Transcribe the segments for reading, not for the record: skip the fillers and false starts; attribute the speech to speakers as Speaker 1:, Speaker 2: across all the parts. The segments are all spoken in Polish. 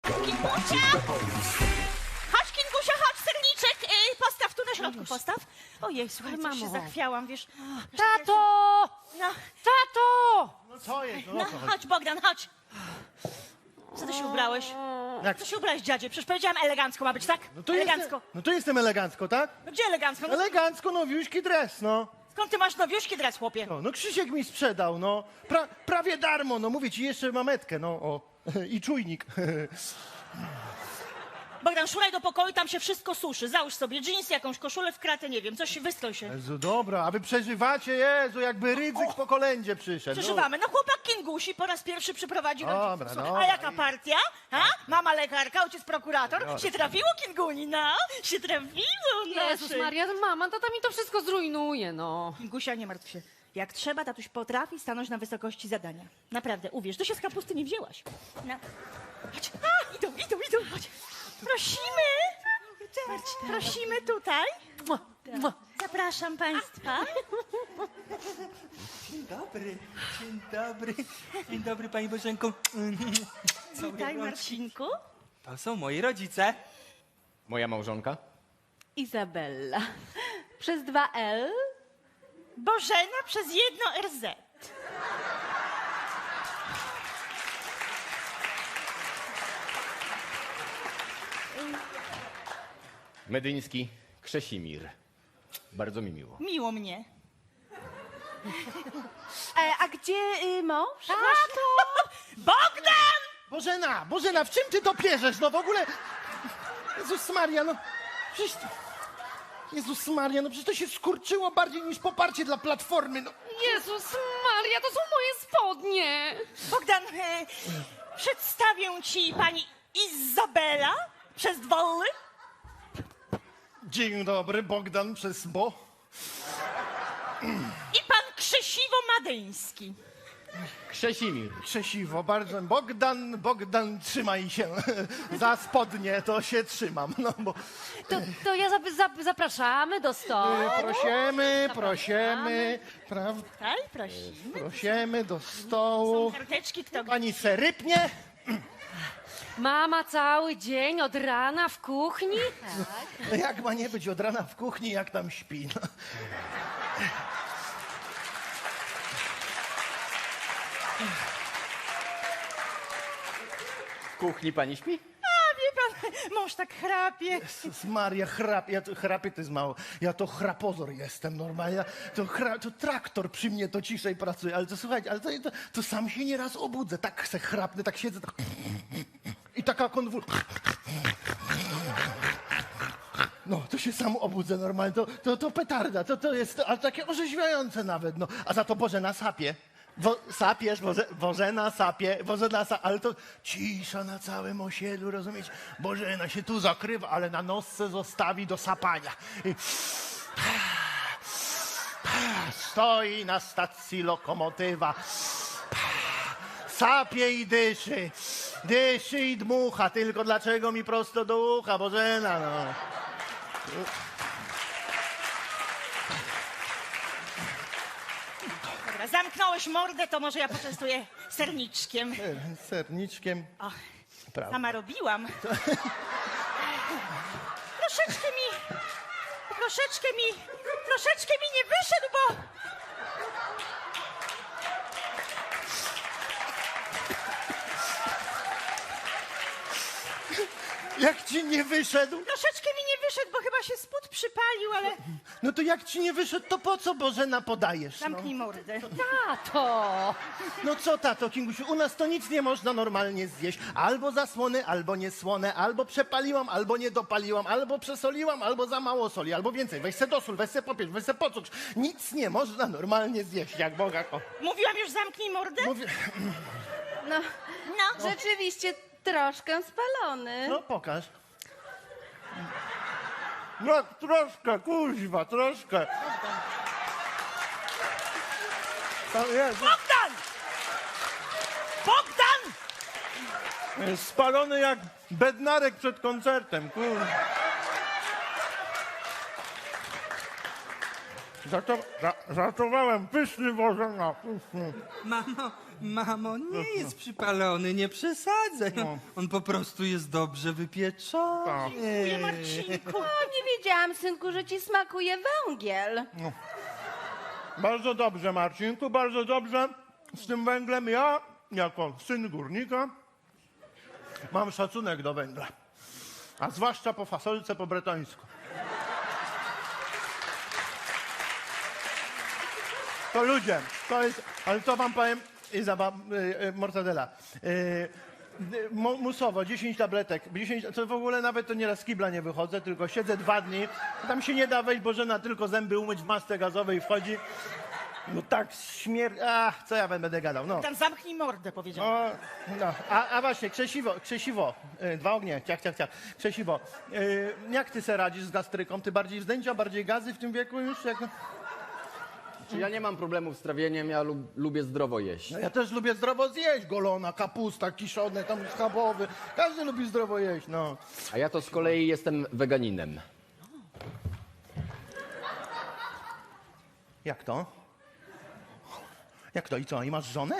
Speaker 1: Kingusia! Chodź, Kingusia, chodź, serniczek! Postaw tu na środku, postaw. Ojej, słuchaj, coś się
Speaker 2: Mamo.
Speaker 1: zachwiałam, wiesz.
Speaker 2: Tato!
Speaker 1: No,
Speaker 2: Tato!
Speaker 3: No co jest?
Speaker 1: no, chodź, Bogdan, chodź. Co ty się ubrałeś?
Speaker 3: Jak?
Speaker 1: Co się ubrałeś, dziadzie? Przecież powiedziałam elegancko ma być, tak?
Speaker 3: No to
Speaker 1: Elegancko.
Speaker 3: Jestem, no to jestem elegancko, tak?
Speaker 1: No gdzie elegancko? No,
Speaker 3: Elegancko, nowiuśki dres, no.
Speaker 1: skąd ty masz nowiuszki dres, chłopie?
Speaker 3: No Krzysiek mi sprzedał, no. Prawie darmo, no mówię ci, jeszcze mametkę, no o. I czujnik.
Speaker 1: Bogdan, szuraj do pokoju, tam się wszystko suszy. Załóż sobie dżinsy, jakąś koszulę w kratę, nie wiem, coś, wystroj się.
Speaker 3: Jezu, dobra, a wy przeżywacie, Jezu, jakby Rydzyk po kolędzie przyszedł.
Speaker 1: Przeżywamy. No chłopak Kingusi po raz pierwszy przyprowadził nam
Speaker 3: Dobra,
Speaker 1: dziecko.
Speaker 3: dobra.
Speaker 1: A jaka partia? Ha? Mama lekarka, ojciec prokurator. Się trafiło, Kinguni, no? Się trafiło,
Speaker 2: Jezus
Speaker 1: nasze.
Speaker 2: Maria, mama, tata mi to wszystko zrujnuje, no.
Speaker 1: Kingusia, nie martw się. Jak trzeba, tatuś potrafi stanąć na wysokości zadania. Naprawdę, uwierz, ty się z kapusty nie wzięłaś. No. Chodź. A, idą, chodź. Prosimy. Prosimy tutaj. Zapraszam państwa.
Speaker 4: Dzień dobry, dzień dobry. Dzień dobry, pani Bożenko.
Speaker 1: Witaj, Marcinku.
Speaker 4: To są moi rodzice.
Speaker 5: Moja małżonka?
Speaker 2: Izabella. Przez 2L?
Speaker 1: Bożena przez jedno RZ.
Speaker 5: Medyński Krzesimir. Bardzo mi miło.
Speaker 1: Miło mnie.
Speaker 2: A gdzie mąż?
Speaker 1: Bogdan!
Speaker 3: Bożena, w czym ty to pierzesz? No w ogóle... Jezus Maria, no... Przecież... Jezus Maria, no przecież to się skurczyło bardziej niż poparcie dla Platformy, no.
Speaker 2: Jezus Maria, to są moje spodnie.
Speaker 1: Bogdan, przedstawię ci pani Izabela przez Wolly.
Speaker 3: Dzień dobry, Bogdan przez Bo.
Speaker 1: I pan Krzesiwo Madyński.
Speaker 5: Krzesimir.
Speaker 3: Krzesiwo, bardzo. Bogdan, trzymaj się. Za spodnie to się trzymam, no bo...
Speaker 2: To ja zapraszamy do stołu.
Speaker 3: Prosimy, prawda?
Speaker 1: Tak, prosimy.
Speaker 3: Prosimy do
Speaker 1: Są
Speaker 3: stołu.
Speaker 1: karteczki, kto gdzie.
Speaker 3: Pani se rypnie?
Speaker 2: Mama cały dzień od rana w kuchni?
Speaker 3: Jak ma nie być od rana w kuchni, jak tam śpi? No.
Speaker 5: W kuchni pani śpi?
Speaker 1: A, wie pan, mąż tak chrapie.
Speaker 3: Jezus Maria, chrapie to jest mało. Ja to chrapozor jestem normalnie. To traktor przy mnie to ciszej pracuje. Ale to słuchajcie, ale to sam się nieraz obudzę. Tak se chrapnę, tak siedzę. Tak... I taka konwulsja. No, to się sam obudzę normalnie. To petarda. To jest ale takie orzeźwiające nawet. No. A za to Bożena sapie. Sapiesz, Bożena sapie, ale to cisza na całym osiedlu, rozumiecie? Bożena się tu zakrywa, ale na nosce zostawi do sapania. I... Stoi na stacji lokomotywa. Sapie i dyszy. Dyszy i dmucha, tylko dlaczego mi prosto do ucha, Bożena, no.
Speaker 1: Dobra, zamknąłeś mordę, to może ja poczęstuję serniczkiem.
Speaker 3: Serniczkiem.
Speaker 1: O,
Speaker 3: Prawda.
Speaker 1: sama robiłam. Troszeczkę mi nie wyszedł, bo...
Speaker 3: Jak ci nie wyszedł?
Speaker 1: Troszeczkę mi nie wyszedł, bo chyba się spód przypalił, ale...
Speaker 3: No to jak ci nie wyszedł, to po co Bożena podajesz? No,
Speaker 1: Zamknij mordę.
Speaker 2: Tato!
Speaker 3: no co tato, Kingusiu, u nas to nic nie można normalnie zjeść. Albo zasłone, albo niesłone, albo przepaliłam, albo nie dopaliłam, albo przesoliłam, albo za mało soli, albo więcej. Weź se dosól, weź se popierz, weź se pocukr. Nic nie można normalnie zjeść, jak Boga ko.
Speaker 1: Mówiłam już zamknij mordę?
Speaker 3: Mówię,
Speaker 6: No,
Speaker 1: No.
Speaker 6: rzeczywiście troszkę spalony.
Speaker 3: no pokaż. No troszkę, kuźwa, troszkę. Tam jest.
Speaker 1: Bogdan! Bogdan!
Speaker 3: Jest spalony jak bednarek przed koncertem, kurwa. Żartowałem, pyszny Bożena, pyszny.
Speaker 4: Mamo, Mamo, nie jest przypalony, nie przesadzaj. On po prostu jest dobrze wypieczony.
Speaker 1: Nie, Marcinku.
Speaker 6: Nie wiedziałam, synku, że ci smakuje węgiel.
Speaker 3: Bardzo dobrze, Marcinku, bardzo dobrze. Z tym węglem ja, jako syn górnika, mam szacunek do węgla. A zwłaszcza po fasolce po bretońsku. To ludzie, to jest, ale to wam powiem, mortadela. Musowo, 10 tabletek. 10, to w ogóle nawet to nieraz z kibla nie wychodzę, tylko siedzę 2 dni. Tam się nie da wejść, Bożena tylko zęby umyć w masce gazowej wchodzi. No tak śmierć. Ach, co ja będę gadał, no.
Speaker 1: Tam zamknij mordę, powiedział.
Speaker 3: O, no. A właśnie, Krzesiwo, 2 ognie, ciach. Krzesiwo, jak ty se radzisz z gastryką? Ty bardziej wzdęcia, bardziej gazy w tym wieku już? Jak...
Speaker 5: Czy ja nie mam problemów z trawieniem, ja lubię zdrowo jeść.
Speaker 3: No ja też lubię zdrowo zjeść, golona, kapusta, kiszone, tam schabowy. Każdy lubi zdrowo jeść, no.
Speaker 5: A ja to z kolei jestem weganinem.
Speaker 3: Jak to? Jak to i co? I masz żonę?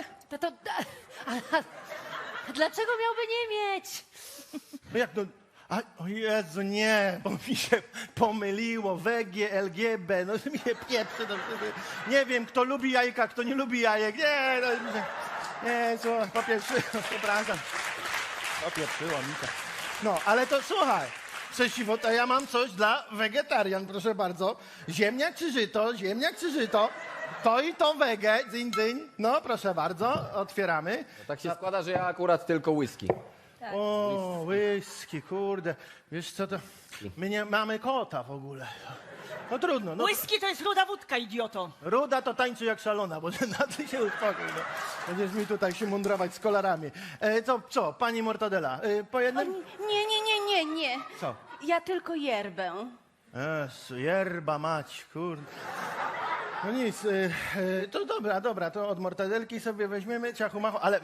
Speaker 2: A dlaczego miałby nie mieć?
Speaker 3: No jak to? A, o Jezu, nie, bo mi się pomyliło. WG, LGB, no mi się pieprzy. Nie wiem, kto lubi jajka, kto nie lubi jajek. Nie, no, nie, słuchaj, popieprzyło, przepraszam. Popieprzyło mi to. No, ale to słuchaj, Krzesiwo, to ja mam coś dla wegetarian, proszę bardzo. Ziemniak czy żyto, ziemniak czy żyto. To i to wege, dzyń, dzyń. No, proszę bardzo, otwieramy.
Speaker 5: Tak się składa, że ja akurat tylko whisky.
Speaker 3: O, whisky, kurde. Wiesz co to? My nie mamy kota w ogóle. No trudno. No,
Speaker 1: Whisky to jest ruda wódka, idioto.
Speaker 3: ruda to tańczy jak szalona, bo na ty się uspokój. No. Będziesz mi tutaj się mundrować z kolarami. To co, pani Mortadela, po jednym?
Speaker 6: Nie.
Speaker 3: Co?
Speaker 6: Ja tylko yerbę.
Speaker 3: Jezu, yerba mać, kurde. No nic, to dobra, to od Mortadelki sobie weźmiemy ciachu machu, ale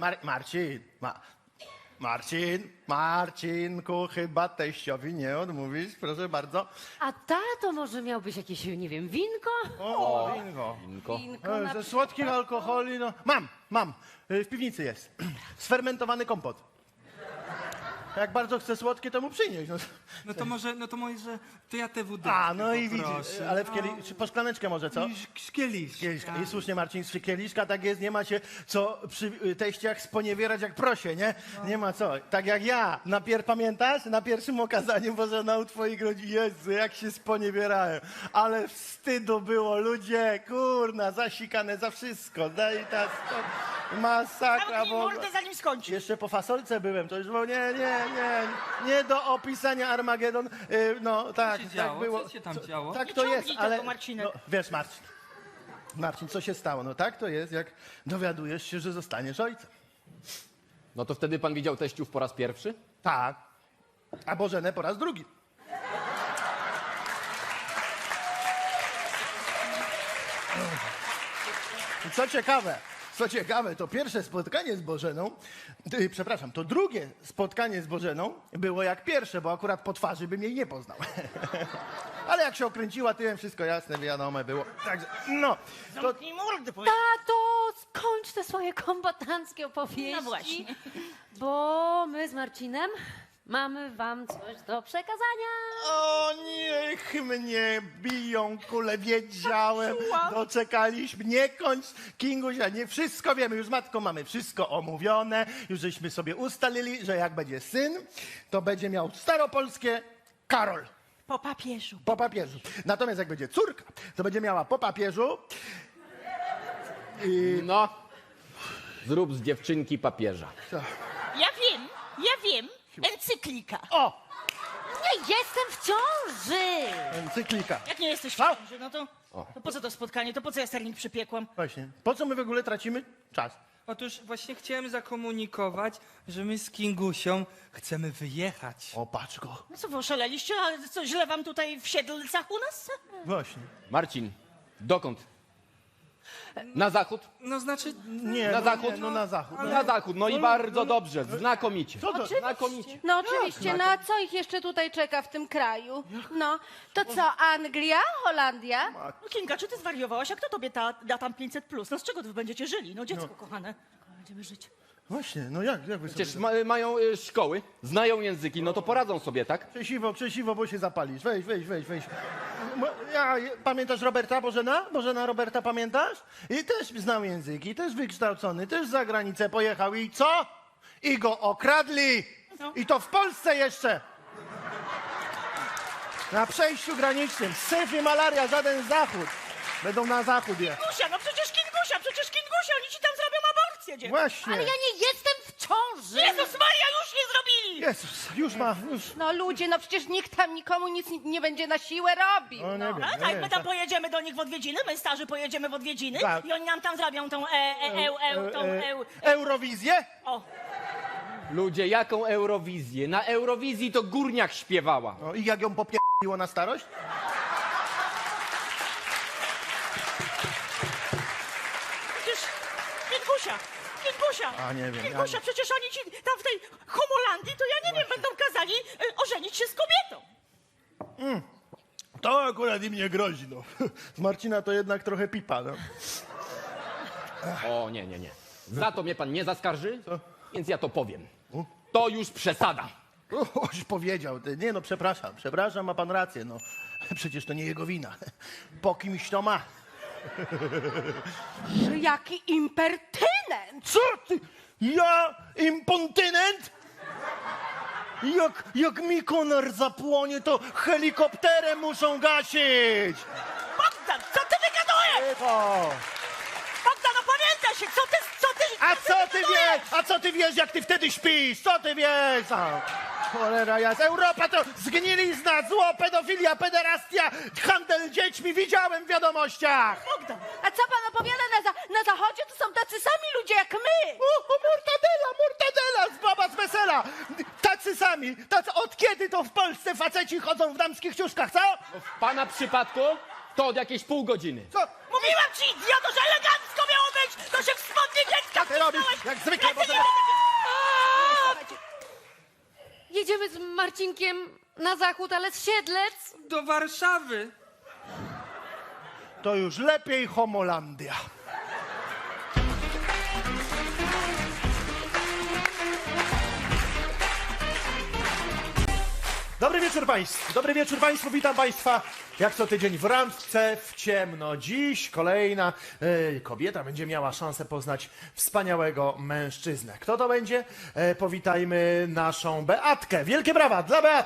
Speaker 3: Marcinku, chyba teściowi nie odmówisz, proszę bardzo.
Speaker 2: A tato może miałbyś jakieś, nie wiem, winko?
Speaker 3: O, winko.
Speaker 5: Winko.
Speaker 6: Winko na
Speaker 3: Ze słodkich alkoholi, no. Mam. W piwnicy jest. Sfermentowany kompot. Jak bardzo chce słodkie, to mu przynieść. No.
Speaker 4: No to może, to ja te wódeczki
Speaker 3: A, no i widzisz,
Speaker 4: poproszę.
Speaker 3: ale czy po szklaneczkę może, co?
Speaker 4: Z kieliszka.
Speaker 3: Kieliszka. I słusznie, Marcin, z kieliszka tak jest, nie ma się co przy teściach sponiewierać jak prosie, nie? Nie ma co. Tak jak ja, pamiętasz? Na pierwszym okazaniu Bożena u twoich rodzin, Jezu, jak się sponiewierałem. Ale wstydu było, ludzie, kurna, zasikane za wszystko. Daj ta masakra,
Speaker 1: Zamknij
Speaker 3: bo...
Speaker 1: mordę, zanim skończy.
Speaker 3: Jeszcze po fasolce byłem, to już było nie do opisania Armagedon. No tak,
Speaker 4: się
Speaker 3: tak
Speaker 4: działo?
Speaker 3: było.
Speaker 4: Co się tam działo?
Speaker 3: Tak
Speaker 1: Nie
Speaker 3: to jest,
Speaker 1: ciągnij
Speaker 3: ale
Speaker 1: tego, Marcinek.
Speaker 3: no, wiesz, Marcin, co się stało? No tak to jest, jak dowiadujesz się, że zostaniesz ojcem.
Speaker 5: No to wtedy pan widział teściów po raz pierwszy?
Speaker 3: Tak. A Bożenę po raz drugi. I co ciekawe, to pierwsze spotkanie z Bożeną, przepraszam, to drugie spotkanie z Bożeną było jak pierwsze, bo akurat po twarzy bym jej nie poznał. Ale jak się okręciła tyłem, wszystko jasne, wiadome było. Także, no, to
Speaker 1: Zamknij mordę, powiedział.
Speaker 2: Tato, skończ te swoje kombatanckie opowieści.
Speaker 1: No właśnie.
Speaker 2: Bo my z Marcinem mamy wam coś do przekazania.
Speaker 3: O, niech mnie biją kule, wiedziałem. Doczekaliśmy. Nie kończ, Kingusia, nie wszystko wiemy. Już z matką mamy wszystko omówione. Już żeśmy sobie ustalili, że jak będzie syn, to będzie miał staropolskie Karol.
Speaker 1: Po papieżu.
Speaker 3: Po papieżu. Natomiast jak będzie córka, to będzie miała po papieżu.
Speaker 5: No. Zrób z dziewczynki papieża.
Speaker 1: Ja wiem. Encyklika.
Speaker 3: O!
Speaker 2: Nie jestem w ciąży!
Speaker 3: Encyklika.
Speaker 1: Jak nie jesteś w
Speaker 3: Co?
Speaker 1: ciąży, no to po co to spotkanie? To po co ja sernik przypiekłam?
Speaker 3: Właśnie. Po co my w ogóle tracimy czas?
Speaker 4: Otóż właśnie chciałem zakomunikować, że my z Kingusią chcemy wyjechać.
Speaker 3: O, patrz go.
Speaker 1: No co wy oszaleliście? A co, źle wam tutaj w Siedlcach u nas?
Speaker 3: Właśnie.
Speaker 5: Marcin, dokąd? Na zachód?
Speaker 4: No znaczy,
Speaker 3: Nie,
Speaker 5: Na
Speaker 3: no,
Speaker 5: zachód?
Speaker 3: Nie, no na zachód.
Speaker 5: Na zachód, no i bardzo dobrze, znakomicie.
Speaker 3: Co to?
Speaker 5: Znakomicie.
Speaker 6: No oczywiście, no a co ich jeszcze tutaj czeka w tym kraju? No, to co, Anglia, Holandia?
Speaker 1: No Kinga, czy ty zwariowałaś? A kto tobie da tam 500+? No z czego wy będziecie żyli? No dziecko kochane.
Speaker 2: będziemy żyć?
Speaker 3: Właśnie, no jak wy sobie...
Speaker 5: Przecież mają szkoły, znają języki, no to poradzą sobie, tak?
Speaker 3: Krzesiwo, bo się zapalisz. Weź. Pamiętasz Roberta Bożena? Bożena Roberta pamiętasz? I też znał języki, też wykształcony, też za granicę pojechał. I co? I go okradli! I to w Polsce jeszcze! Na przejściu granicznym. Syf i malaria, żaden zachód. Będą na zachód je.
Speaker 1: Kingusia, no przecież Kingusia, oni ci tam zrobią aborcję, dziewczyno.
Speaker 3: Właśnie.
Speaker 6: Ale ja nie jestem w ciąży.
Speaker 1: Jezus Maria, już nie zrobili!
Speaker 3: Jezus, już.
Speaker 6: No ludzie, no przecież nikt tam nikomu nic nie będzie na siłę robił.
Speaker 3: O, nie
Speaker 6: No.
Speaker 3: wiem.
Speaker 1: A tak, my tam pojedziemy do nich w odwiedziny, my starzy pojedziemy w odwiedziny
Speaker 3: Tak.
Speaker 1: i oni nam tam zrobią tą
Speaker 3: Eurowizję?
Speaker 1: O,
Speaker 5: Ludzie, jaką Eurowizję? Na Eurowizji to Górniak śpiewała.
Speaker 3: No i jak ją popierdoliło na starość?
Speaker 1: przecież Kingusia.
Speaker 3: A, nie wiem,
Speaker 1: Kingusia, przecież oni ci tam w tej Homolandii, to ja nie wiem, będą kazali ożenić się z kobietą.
Speaker 3: To akurat im nie grozi, no. Z Marcina to jednak trochę pipa, no.
Speaker 5: O, nie. Za to mnie pan nie zaskarży, więc ja to powiem. To już przesada.
Speaker 3: Oś powiedział, ty. Nie no, przepraszam, ma pan rację, no. Przecież to nie jego wina. Po kimś to ma.
Speaker 6: Jaki impertynent!
Speaker 3: Co ty? Ja impontynent? Jak mi konar zapłonie, to helikopterem muszą gasić!
Speaker 1: Bogdan, co ty wygadujesz?
Speaker 3: Cicho!
Speaker 1: Bogdan, opamiętaj się, co ty...
Speaker 3: A co ty wiesz, jak ty wtedy śpisz? Co ty wiesz? Cholera jasna. Europa to zgnilizna, zło, pedofilia, pederastia, handel dziećmi. Widziałem w wiadomościach.
Speaker 1: Bogdan,
Speaker 6: A co pan opowiada na zachodzie? To są tacy sami ludzie jak my!
Speaker 3: Mortadela, baba z wesela. Tacy sami. Od kiedy to w Polsce faceci chodzą w damskich ciuszkach, co?
Speaker 5: W pana przypadku to od jakieś pół godziny.
Speaker 3: Co?
Speaker 1: mówiłam ci, idioto, że elegancko miało być, to się w spodnie dziecka
Speaker 3: Ty robisz,
Speaker 1: wcisnąłeś.
Speaker 3: jak zwykle, bo
Speaker 1: Lecę,
Speaker 3: to-
Speaker 1: nie będę cię-
Speaker 2: Jedziemy z Marcinkiem na zachód, ale z Siedlec.
Speaker 4: Do Warszawy.
Speaker 3: To już lepiej Homolandia. Dobry wieczór Państwu, witam Państwa jak co tydzień w randce w ciemno. Dziś kolejna kobieta będzie miała szansę poznać wspaniałego mężczyznę. Kto to będzie? Powitajmy naszą Beatkę. Wielkie brawa dla Beaty!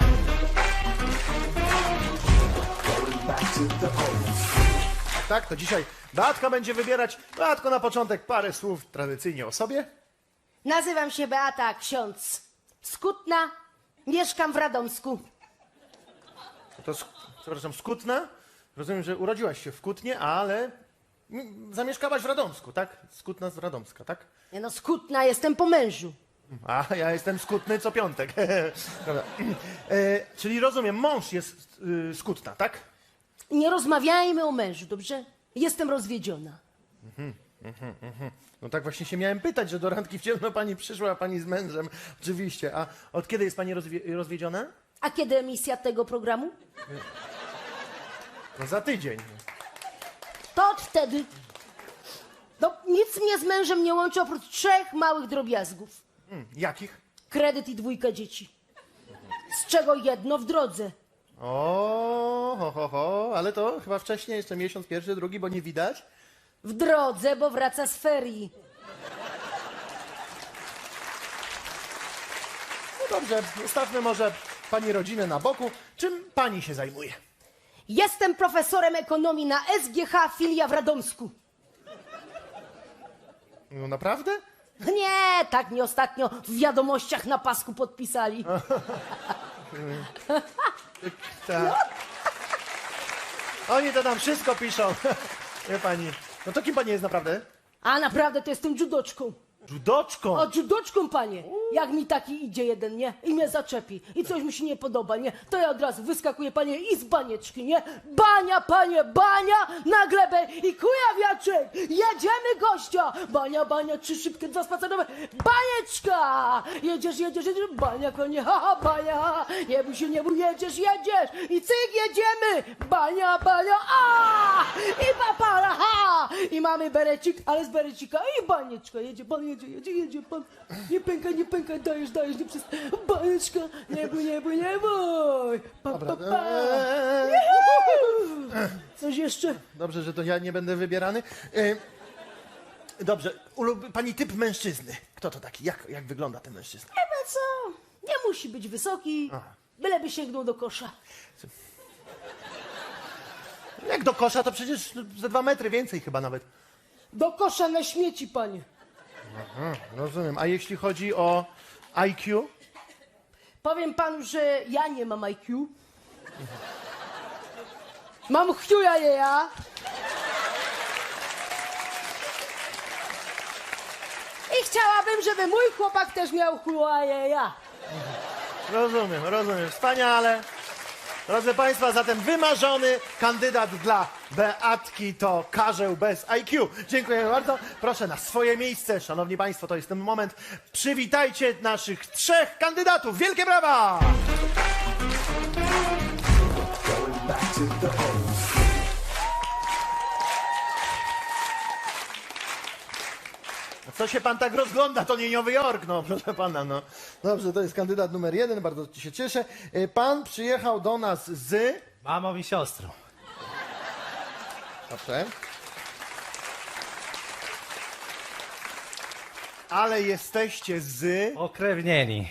Speaker 3: Tak, to dzisiaj Beatka będzie wybierać. Beatko, na początek parę słów tradycyjnie o sobie.
Speaker 7: Nazywam się Beata Ksiądz z Kutna, mieszkam w Radomsku.
Speaker 3: To, przepraszam, z Kutna. Rozumiem, że urodziłaś się w Kutnie, ale zamieszkałaś w Radomsku, tak? Z Kutna z Radomska, tak?
Speaker 7: Ja no z Kutna jestem po mężu.
Speaker 3: A ja jestem skutny co piątek. Dobra. Czyli rozumiem, mąż jest z Kutna, tak?
Speaker 7: Nie rozmawiajmy o mężu, dobrze? Jestem rozwiedziona.
Speaker 3: No tak właśnie się miałem pytać, że do randki w ciemno pani przyszła, a pani z mężem. Oczywiście. A od kiedy jest pani rozwiedziona?
Speaker 7: A kiedy emisja tego programu?
Speaker 3: No za tydzień.
Speaker 7: To od wtedy. No nic mnie z mężem nie łączy oprócz 3 małych drobiazgów.
Speaker 3: Jakich?
Speaker 7: Kredyt i 2 dzieci. Z czego jedno w drodze.
Speaker 3: Ale to chyba wcześniej, jeszcze miesiąc pierwszy, drugi, bo nie widać.
Speaker 7: W drodze, bo wraca z ferii.
Speaker 3: No dobrze, zostawmy może pani rodzinę na boku. Czym pani się zajmuje?
Speaker 7: Jestem profesorem ekonomii na SGH filia w Radomsku.
Speaker 3: No naprawdę?
Speaker 7: Nie, tak mi ostatnio w wiadomościach na pasku podpisali.
Speaker 3: Tak. Oni to tam wszystko piszą. Wie pani. No to kim pani jest naprawdę?
Speaker 7: A naprawdę to jestem judoczką.
Speaker 3: Judoczką.
Speaker 7: O, judoczką, panie. Jak mi taki idzie jeden, nie? I mnie zaczepi. I coś mi się nie podoba, nie? To ja od razu wyskakuję, panie, i z banieczki, nie? Bania, panie, bania na glebę i kujawiaczek. Jedziemy, gościa. Bania, 3 szybkie, 2 spacerowe. Banieczka. Jedziesz. Bania, konie, haha, bania. Nie bój, jedziesz. I cyk, jedziemy. Bania, a! I papara, ha! I mamy berecik, ale z berecika i banieczka. Jedzie, jedzie pan. Nie pękaj, dajesz, nie przez bajeczka. Nie bój. Pa. Coś jeszcze?
Speaker 3: Dobrze, że to ja nie będę wybierany. Dobrze, pani typ mężczyzny. Kto to taki? Jak wygląda ten mężczyzna?
Speaker 7: Chyba co? Nie musi być wysoki, byleby sięgnął do kosza.
Speaker 3: Jak do kosza, to przecież ze 2 metry więcej chyba nawet.
Speaker 7: Do kosza na śmieci, panie.
Speaker 3: Rozumiem. A jeśli chodzi o IQ?
Speaker 7: Powiem panu, że ja nie mam IQ. Mam chuja ja. I chciałabym, żeby mój chłopak też miał chuja ja.
Speaker 3: Rozumiem. Wspaniale. Drodzy Państwa, zatem wymarzony kandydat dla Beatki to Karzeł bez IQ. Dziękujemy bardzo. Proszę na swoje miejsce. Szanowni Państwo, to jest ten moment. Przywitajcie naszych 3 kandydatów. Wielkie brawa! Co się pan tak rozgląda? To nie Nowy Jork, no proszę pana, no. Dobrze, to jest kandydat numer 1, bardzo się cieszę. Pan przyjechał do nas z...
Speaker 8: Mamą i siostrą.
Speaker 3: Dobrze. Ale jesteście z...
Speaker 8: Pokrewnieni.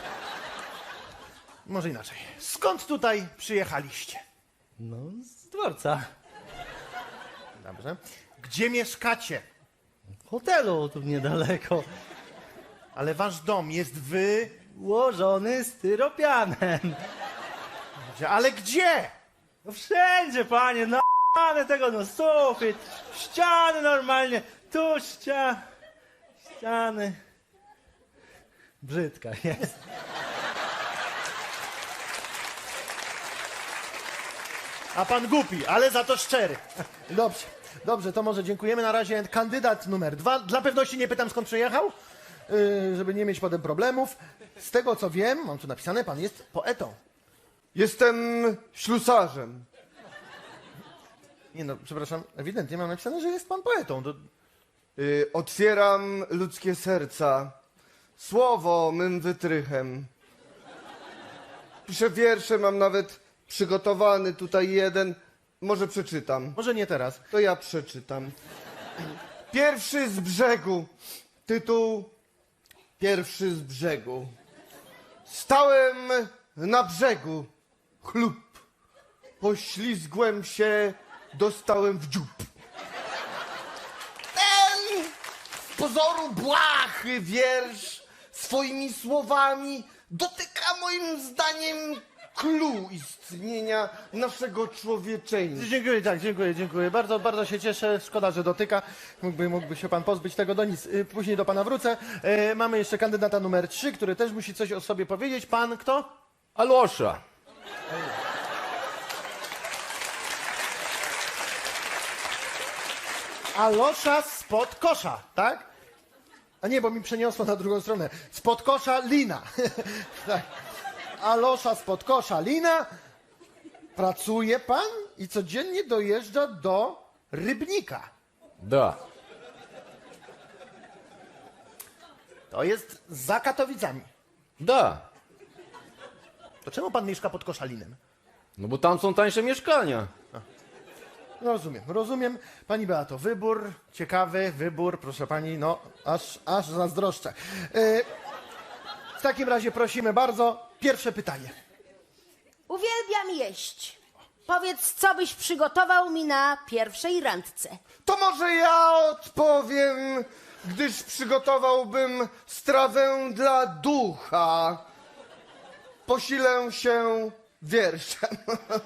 Speaker 3: Może inaczej. Skąd tutaj przyjechaliście?
Speaker 8: No, z dworca.
Speaker 3: Dobrze. Gdzie mieszkacie?
Speaker 8: W hotelu tu niedaleko.
Speaker 3: Ale wasz dom jest
Speaker 8: Ułożony styropianem.
Speaker 3: Ale gdzie?
Speaker 8: No wszędzie, panie, no tego, no sufit, ściany normalnie, tu ściany. Brzydka jest.
Speaker 3: A pan głupi, ale za to szczery. Dobrze, to może dziękujemy. Na razie kandydat numer 2. Dla pewności nie pytam, skąd przyjechał, żeby nie mieć potem problemów. Z tego co wiem, mam tu napisane, pan jest poetą.
Speaker 9: Jestem ślusarzem.
Speaker 3: Nie no, przepraszam, ewidentnie mam napisane, że jest pan poetą.
Speaker 9: Otwieram ludzkie serca. Słowo mym wytrychem. Piszę wiersze, mam nawet przygotowany tutaj jeden. Może przeczytam.
Speaker 3: Może nie teraz.
Speaker 9: To ja przeczytam. Pierwszy z brzegu. Tytuł Pierwszy z brzegu. Stałem na brzegu. Chlub. Poślizgłem się, dostałem w dziób. Ten z pozoru błahy wiersz swoimi słowami dotyka moim zdaniem clou istnienia naszego człowieczeństwa.
Speaker 3: Dziękuję. Bardzo się cieszę. Szkoda, że dotyka. Mógłby się pan pozbyć tego do nic. Później do pana wrócę. Mamy jeszcze kandydata numer 3, który też musi coś o sobie powiedzieć. Pan kto?
Speaker 5: Alosza.
Speaker 3: Alosza spod kosza, tak? A nie, bo mi przeniosło na drugą stronę. Spod kosza Lina. Tak. Alosza spod kosza Lina. Pracuje pan i codziennie dojeżdża do Rybnika.
Speaker 5: Da.
Speaker 3: To jest za Katowicami.
Speaker 5: Da.
Speaker 3: To czemu pan mieszka pod Koszalinem?
Speaker 5: No bo tam są tańsze mieszkania.
Speaker 3: Rozumiem. Pani Beato, wybór, ciekawy wybór, proszę pani, no, aż zazdroszczę. W takim razie prosimy bardzo, pierwsze pytanie.
Speaker 6: Uwielbiam jeść. Powiedz, co byś przygotował mi na pierwszej randce.
Speaker 9: To może ja odpowiem, gdyż przygotowałbym strawę dla ducha. Posilę się wierszem.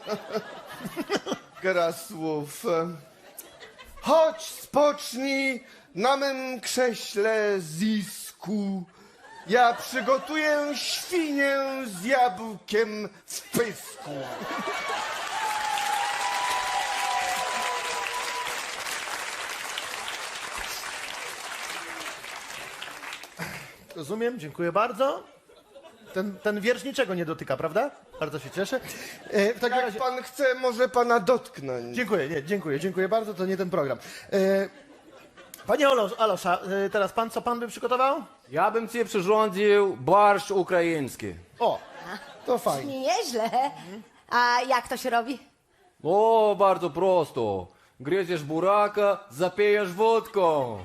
Speaker 9: Gra słów. Chodź, spocznij na mym krześle zisku. Ja przygotuję świnię z jabłkiem w pysku.
Speaker 3: Rozumiem, dziękuję bardzo. Ten wiersz niczego nie dotyka, prawda? Bardzo się cieszę. W takim
Speaker 9: Jak
Speaker 3: razie...
Speaker 9: pan chce, może pana dotknąć.
Speaker 3: Dziękuję bardzo, to nie ten program. Panie Alosza, teraz pan, co pan by przygotował?
Speaker 10: Ja bym ci przyrządził barszcz ukraiński.
Speaker 3: O, to fajnie.
Speaker 6: Nie nieźle. A jak to się robi?
Speaker 10: O, bardzo prosto. Gryziesz buraka, zapijesz wódką.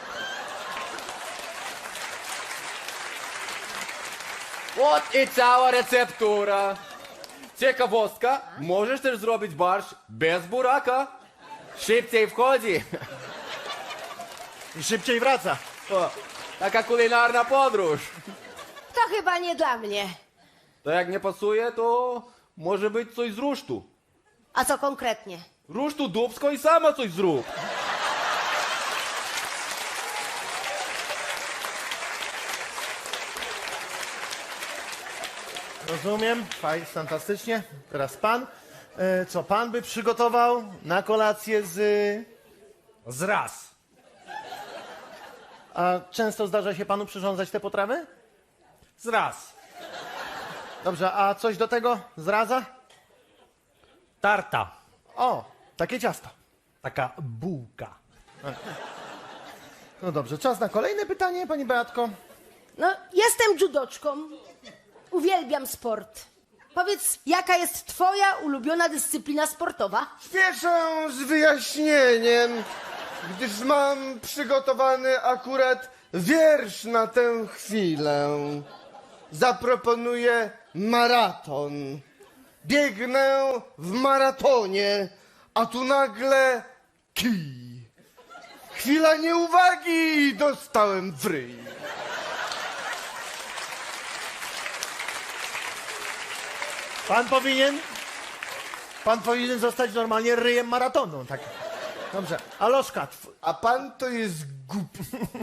Speaker 10: Вот i cała receptura. Ciekawostka, możesz też zrobić barszcz bez buraka. Szybciej wchodzi.
Speaker 3: I szybciej wraca.
Speaker 10: O, taka kulinarna podróż.
Speaker 6: To chyba nie dla mnie.
Speaker 10: To jak nie pasuje, to może być coś z rusztu.
Speaker 6: A co konkretnie?
Speaker 10: Rusztu dubsko i sama coś zrób.
Speaker 3: Rozumiem, fajnie, fantastycznie. Teraz pan. Co pan by przygotował na kolację z...
Speaker 8: Zraz.
Speaker 3: A często zdarza się panu przyrządzać te potrawy?
Speaker 8: Zraz.
Speaker 3: Dobrze, a coś do tego zraza?
Speaker 8: Tarta.
Speaker 3: O, takie ciasto.
Speaker 8: Taka bułka.
Speaker 3: No dobrze, czas na kolejne pytanie, pani Beatko.
Speaker 6: No, jestem judoczką. Uwielbiam sport. Powiedz, jaka jest twoja ulubiona dyscyplina sportowa?
Speaker 9: Spieszę z wyjaśnieniem, gdyż mam przygotowany akurat wiersz na tę chwilę. Zaproponuję maraton. Biegnę w maratonie, a tu nagle kij. Chwila nieuwagi i dostałem w ryj.
Speaker 3: Pan powinien zostać normalnie ryjem maratonu. Tak. Dobrze, Aloszka,
Speaker 9: A pan to jest głupi.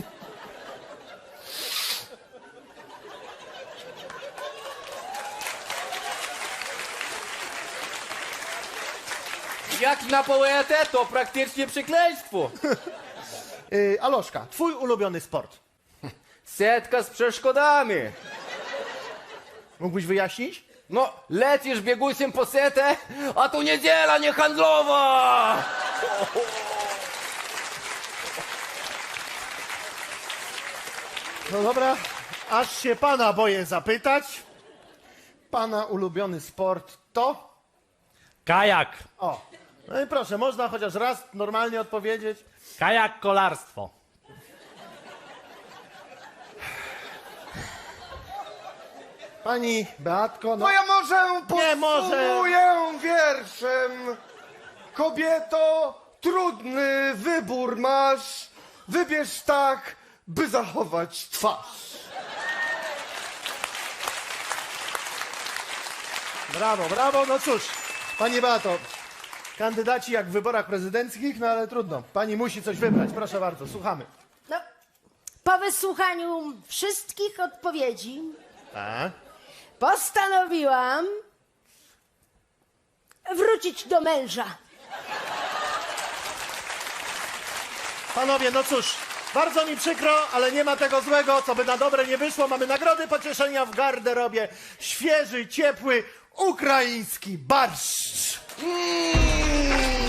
Speaker 10: Jak na poetę, to praktycznie przekleństwo.
Speaker 3: Aloszka, twój ulubiony sport.
Speaker 10: Setka z przeszkodami.
Speaker 3: Mógłbyś wyjaśnić?
Speaker 10: No, lecisz biegusiem po setę, a tu niedziela niehandlowa!
Speaker 3: No dobra, aż się pana boję zapytać. Pana ulubiony sport to?
Speaker 8: Kajak.
Speaker 3: O, no i proszę, można chociaż raz normalnie odpowiedzieć.
Speaker 8: Kajak kolarstwo.
Speaker 3: Pani Beatko, no...
Speaker 9: No ja może
Speaker 3: Nie, może.
Speaker 9: podsumuję wierszem. Kobieto, trudny wybór masz. Wybierz tak, by zachować twarz.
Speaker 3: Brawo, brawo, no cóż, pani Beato, kandydaci jak w wyborach prezydenckich, no ale trudno. Pani musi coś wybrać, proszę bardzo, słuchamy.
Speaker 6: No, po wysłuchaniu wszystkich odpowiedzi
Speaker 3: Tak?
Speaker 6: postanowiłam wrócić do męża.
Speaker 3: Panowie, no cóż, bardzo mi przykro, ale nie ma tego złego, co by na dobre nie wyszło. Mamy nagrody pocieszenia w garderobie. Świeży, ciepły, ukraiński barszcz.